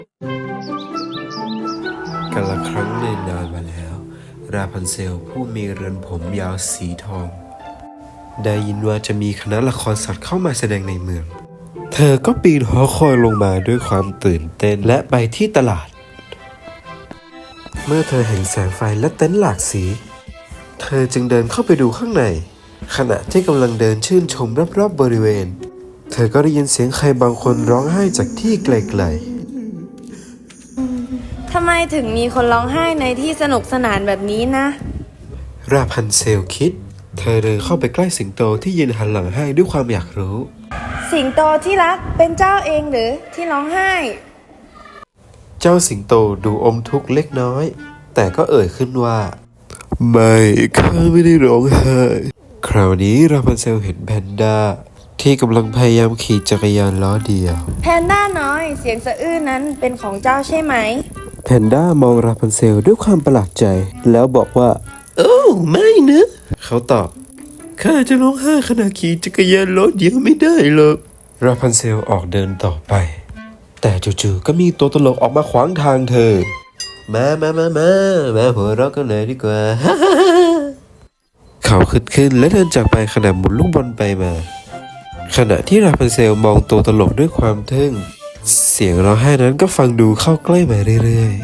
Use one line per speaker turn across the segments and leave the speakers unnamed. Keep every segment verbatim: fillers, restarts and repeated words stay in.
กาลครั้งหนึ่งนานมาแล้วราพันเซลผู้มีเรือนผมยาวสีทองได้ยินว่าจะมีคณะละครสัตว์เข้ามาแสดงในเมืองเธอก็ปีนหอคอยลงมาด้วยความตื่นเต้นและไปที่ตลาดเมื่อเธอเห็นแสงไฟและเต็นท์หลากสีเธอจึงเดินเข้าไปดูข้างในขณะที่กำลังเดินชื่นชมรอบๆบริเวณเธอก็ได้ยินเสียงใครบางคนร้องไห้จากที่ไกล
ทำไมถึงมีคนร้องไห้ในที่สนุกสนานแบบนี้นะ
ๆราพันเซลคิดเธอเดินเข้าไปใกล้สิงโตที่ยืนหันหลังให้ด้วยความอยากรู้
สิงโตที่รักเป็นเจ้าเองหรือที่ร้องไห้
เจ้าสิงโตดูอมทุกข์เล็กน้อยแต่ก็เอ่ยขึ้นว่าไม่ข้าไม่ได้ร้องไห้คราวนี้ราพันเซลเห็นแพนด้าที่กำลังพยายามขี่จักรยานล้อเดียว
แพนด้าน้อยเสียงสะอื้นนั้นเป็นของเจ้าใช่ไหม
แพนด้ามองราพันเซลด้วยความประหลาดใจแล้วบอกว่าโอ้ไม่นะเขาตอบข้าจะร้องไห้ขณะขี่จักรยานล้อเดียวไม่ได้หรอกราพันเซลออกเดินต่อไปแต่จู่ๆก็มีตัวตลกออกมาขวางทางเธอมามามามามาหัวเราะกันเลยดีกว่า เขาขึ้นขึ้นและเดินจากไปขณะหมุนลูกบอลไปมาขณะที่ราพันเซลมองตัวตลกด้วยความทึ่งเสียงร้องไห้นั้นก็ฟังดูเข้าใกล้มาเรื่อย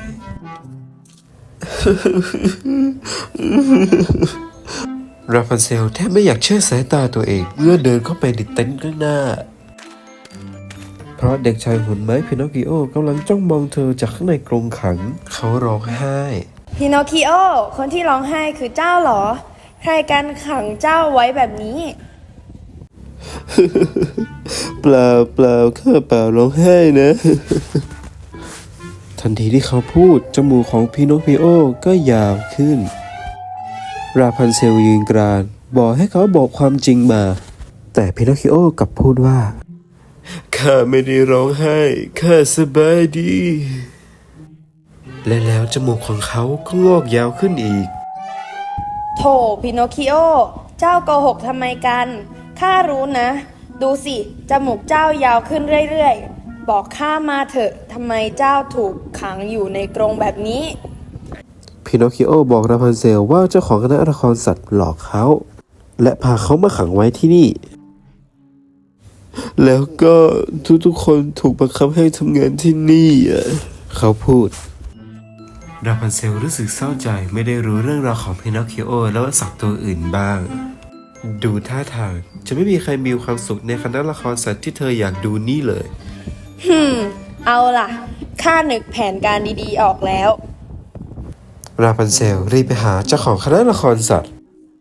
ๆ ราพันเซลแทบไม่อยากเชื่อสายตาตัวเองเมื่อเดินเข้าไปในเต็นท์ข้างหน้าเพราะเด็กชายหุ่นไม้พินอคคิโอกำลังจ้องมองเธอจากข้างในกรงขังเขาร้องไห้
พินอคคิโอคนที่ร้องไห้คือเจ้าเหรอใครกันขังเจ้าไว้แบบนี้
เปล่าเปล่าข้าเปล่าร้องไห้นะ ทันทีที่เขาพูดจมูกของพินอคคิโอก็ยาวขึ้นราพันเซลยืนกรานบอกให้เขาบอกความจริงมาแต่พินอคคิโอกลับพูดว่าข้าไม่ได้ร้องไห้ข้าสบายดีและแล้วจมูกของเขาก็งอกยาวขึ้นอีก
โธ่พินอคคิโอเจ้าโกหกทำไมกันข้ารู้นะดูสิจมูกเจ้ายาวขึ้นเรื่อยๆบอกข้ามาเถอะทำไมเจ้าถูกขังอยู่ในกรงแบบนี้
พินอคคิโอบอกราพันเซลว่าเจ้าของคณะละครสัตว์หลอกเขาและพาเขามาขังไว้ที่นี่แล้วก็ทุกๆคนถูกบังคับให้ทำงานที่นี่เขาพูดราพันเซลรู้สึกเศร้าใจไม่ได้รู้เรื่องราวของพินอคคิโอและสัตว์ตัวอื่นบ้างดูท่าทางจะไม่มีใครมีความสุขในคณะละครสัตว์ที่เธออยากดูนี่เลย
ฮึมเอาล่ะข้านึกแผนการดีๆออกแล้ว
ราพันเซลรีบไปหาเจ้าของคณะละครสัตว์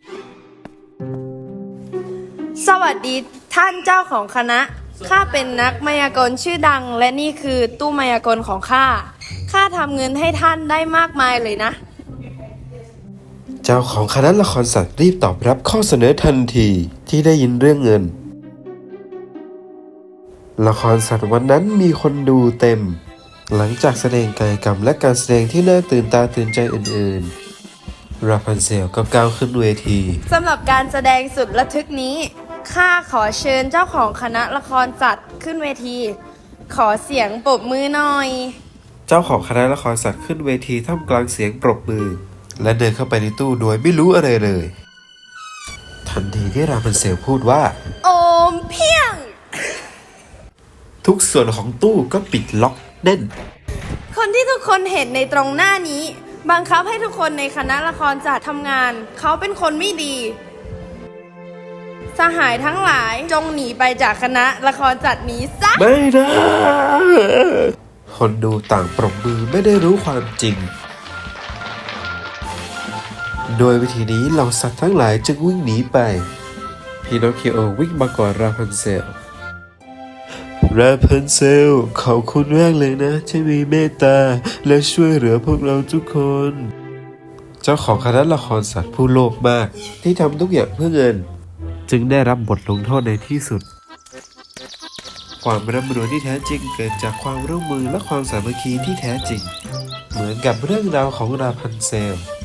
สวัสดีท่านเจ้าของคณะข้าเป็นนักมายากลชื่อดังและนี่คือตู้มายากลของข้าข้าทำเงินให้ท่านได้มากมายเลยนะ
เจ้าของคณะละครสัตว์รีบตอบรับข้อเสนอทันทีที่ได้ยินเรื่องเงินละครสัตว์วันนั้นมีคนดูเต็มหลังจากแสดงกายกรรมและการแสดงที่น่าตื่นตาตื่นใจอื่นๆราพันเซลก็ก้าวขึ้นเวที
สำหรับการแสดงสุดระทึกนี้ข้าขอเชิญเจ้าของคณะละครสัตว์ขึ้นเวทีขอเสียงปรบมือหน่อย
เจ้าของคณะละครสัตว์ขึ้นเวทีท่ามกลางเสียงปรบมือและเดินเข้าไปในตู้โดยไม่รู้อะไรเลยทันทีที่ราพันเซลพูดว่า
โอมเพียง
ทุกส่วนของตู้ก็ปิดล็อกแน่น
คนที่ทุกคนเห็นในตรงหน้านี้บังคับให้ทุกคนในคณะละครสัตว์ทำงานเขาเป็นคนไม่ดีสหายทั้งหลายจงหนีไปจากคณะละครสัตว์นี้ซะ
ไม่ได้คนดูต่างปรบมือไม่ได้รู้ความจริงโดยวิธีนี้เหล่าสัตว์ทั้งหลายจึงวิ่งหนีไปพินอคคิโอวิ่งมาก่อนราพันเซลราพันเซลขอบคุณมากเลยนะที่มีเมตตาและช่วยเหลือพวกเราทุกคนเจ้าของคณะละครสัตว์ผู้โลภมากที่ทำทุกอย่างเพื่อเงินจึงได้รับบทลงโทษในที่สุดความร่ำรวยที่แท้จริงเกิดจากความร่วมมือและความสามัคคีที่แท้จริงเหมือนกับเรื่องราวของราพันเซล